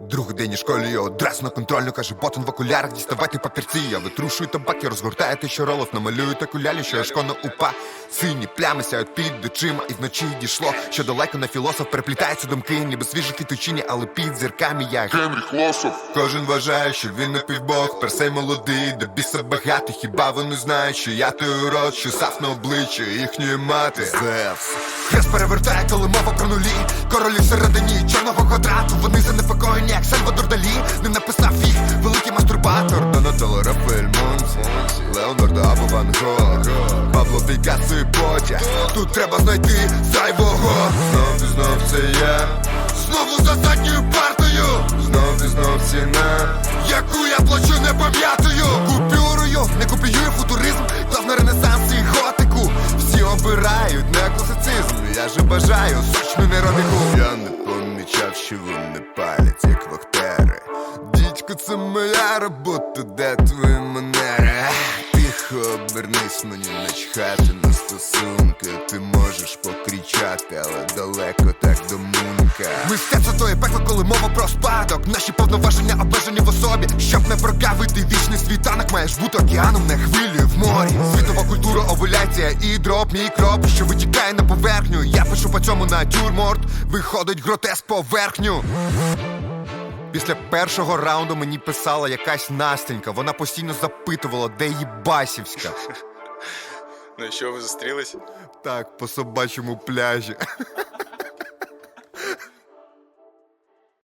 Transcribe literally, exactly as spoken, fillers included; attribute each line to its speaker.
Speaker 1: Другий день у школі я одразу на контрольну, каже ботан в окулярах, діставайте папірці. Я витрушую табак і розгортаю те, що ролов намалюю та кулялі, що я шконо упа. Сині плями сяють під очима, і вночі дійшло, що далеко на філософ переплітаються думки, ніби свіжі квітучині, але під зірками я
Speaker 2: Генріх Лосов.
Speaker 1: Кожен вважає, що він напівбог, персей молодий, до біса багатий. Хіба вони знають, що я той урод, що сав на обличчя їхньої мати. Зевс. Хрест перевертає, коли мова про нулі. Королі всередині чорного квадрату. Вони занепокоєні, як Сальвадор Далі. Не написав їх великий мастурбатор. Донателло, Рафаель Монці, Леонардо або Ван Гог, Пабло Пікассо і Потя. Тут треба знайти зайвого. Знов і знов це я, знову за задньою партою. Знов і знов ціна, яку я плачу, не пам'ятаю. Купюрою, не копіюю футуризм, плав на ренесанс і готику. Всі обирають на класицизм, я же бажаю сучну неробіку. Я не помічав, що вони палять, як вахтери. Дідько, це моя робота, де твої манери? Тихо обернись, мені начхати на стосунки. Ти можеш покричати, але далеко так до мунка. Мистецтво то є пекло, коли мова про спадок. Наші повноваження обмежені в особі. Щоб не прогавити вічний світанок, маєш бути океаном, не хвилею в морі. Світова культура, овуляція і дроп, мікроб, що витікає на поверхню. Я пишу по цьому натюрморт, виходить гротеск поверхню. Після першого раунду мені писала якась Настенька. Вона постійно запитувала, де її Басівська.
Speaker 3: Ну і що, ви зустрілись?
Speaker 1: Так, по собачому пляжі.